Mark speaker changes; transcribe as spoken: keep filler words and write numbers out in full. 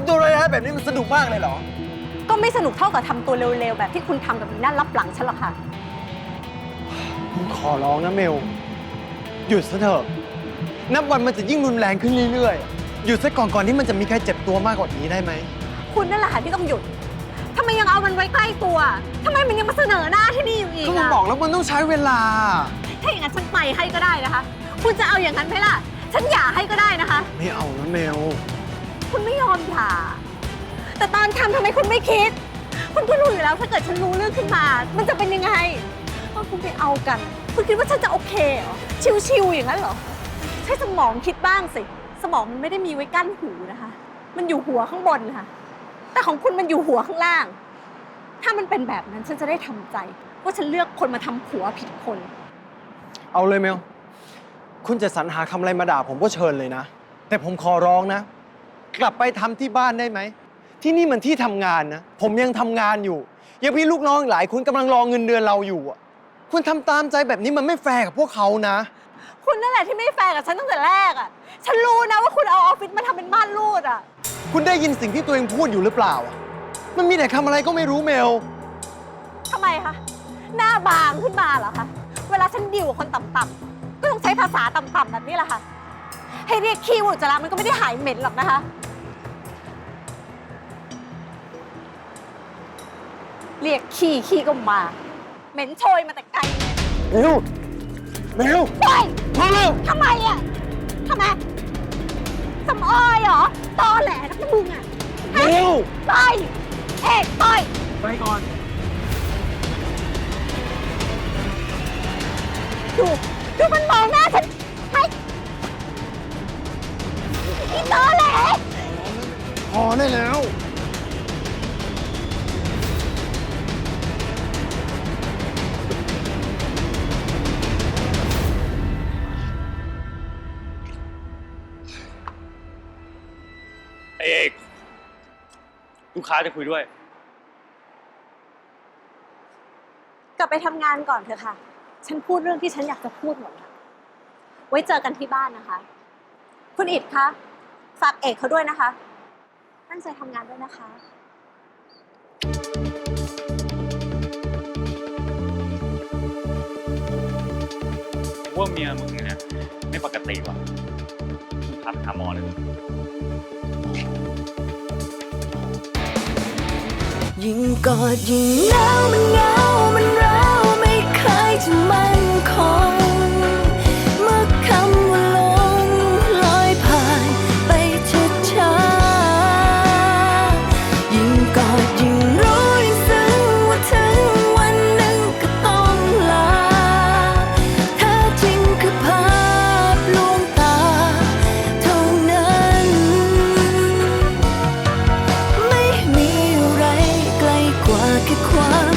Speaker 1: ำตัวร้ายๆแบบนี้มันสนุกมากเลยเหรอ
Speaker 2: ก็ไม่สนุกเท่ากับทำตัวเร็วๆแบบที่คุณทำกับอีนั่นรับหลังฉันหรอกค่ะ
Speaker 1: ผมขอร้องนะเมลหยุดซะเถอะนับวันมันจะยิ่งรุนแรงขึ้นเรื่อยๆหยุดซะก่อนก่อนที่มันจะมีใครเจ็บตัวมากกว่านี้ได้ไหม
Speaker 2: คุณนั่นแหละค่ะที่ต้องหยุดทำไมยังเอามันไว้ใกล้ตัวทำไมมันยังมาเสนอหน้าที่นี่อยู่อีก
Speaker 1: ก็มันบอกแล้วมันต้องใช้เวลา
Speaker 2: ถ้าอย่างนั้นฉันไปให้ก็ได้นะคะคุณจะเอาอย่างนั้นไหมล่ะฉันหย่าให้ก็ได้นะคะ
Speaker 1: ไม่เอานะเมล
Speaker 2: คุณไม่ยอมหย่าแต่ตอนทำทำไมคุณไม่คิดคุณก็รู้อยู่แล้วถ้าเกิดฉันรู้เรื่องขึ้นมามันจะเป็นยังไงตอนคุณไปเอากันคุณคิดว่าฉันจะโอเคเหรอชิวๆอย่างนั้นเหรอใช้สมองคิดบ้างสิสมองมันไม่ได้มีไว้กั้นหูนะคะมันอยู่หัวข้างบนค่ะแต่ของคุณมันอยู่หัวข้างล่างถ้ามันเป็นแบบนั้นฉันจะได้ทำใจว่าฉันเลือกคนมาทำผัวผิดคน
Speaker 1: เอาเลยเมลคุณจะสรรหาคำอะไรมาด่าผมก็เชิญเลยนะแต่ผมขอร้องนะกลับไปทำที่บ้านได้ไหมที่นี่มันที่ทำงานนะผมยังทำงานอยู่ยังพี่ลูกน้องหลายคนกำลังรอเงินเดือนเราอยู่อ่ะคุณทำตามใจแบบนี้มันไม่แฟร์กับพวกเขานะ
Speaker 2: คุณนั่นแหละที่ไม่แฟร์กับฉันตั้งแต่แรกอ่ะฉันรู้นะว่าคุณเอาออฟฟิศมาทำเป็นม่านรูดอ่ะ
Speaker 1: คุณได้ยินสิ่งที่ตัวเองพูดอยู่หรือเปล่ามันมีแต่คำอะไรก็ไม่รู้เมล
Speaker 2: ทำไมคะหน้าบางขึ้นมาเหรอคะเวลาฉันดิวกับคนต่ำๆก็ต้องใช้ภาษาต่ำๆแบบนี้แหละค่ะให้เรียกขี้อุจจาระมันก็ไม่ได้หายเหม็นหรอกนะคะเรียกขี้ขี้ก็มาเหม็นโชยมาแต่ไกล
Speaker 1: เมลเมล
Speaker 2: ปล่อย
Speaker 1: พอแล้ว
Speaker 2: ทำไมอ่ะทำไมสำออยเหรอตอแหลนักมึงอ่ะ
Speaker 1: เมล
Speaker 2: ปล่อยเอกปล่อย
Speaker 1: ไปก่อน
Speaker 2: ดูดูมันมองหน้าฉันไปอีตอแหล
Speaker 1: พอได้แล้ว
Speaker 3: เอกลูกค้าจะคุยด้วย
Speaker 2: กลับไปทำงานก่อนเถอะค่ะฉันพูดเรื่องที่ฉันอยากจะพูดหมดแล้วไว้เจอกันที่บ้านนะคะคุณอิฐคะฝากเอกเขาด้วยนะคะตั้งใจทำงานด้วยนะคะ
Speaker 3: ว่าเมียมึงเนี่ยไม่ปกติว่ะมึงพาไปหาหมอเลย
Speaker 4: ยิ่งกอดยิ่งหนาวมันเหงามัน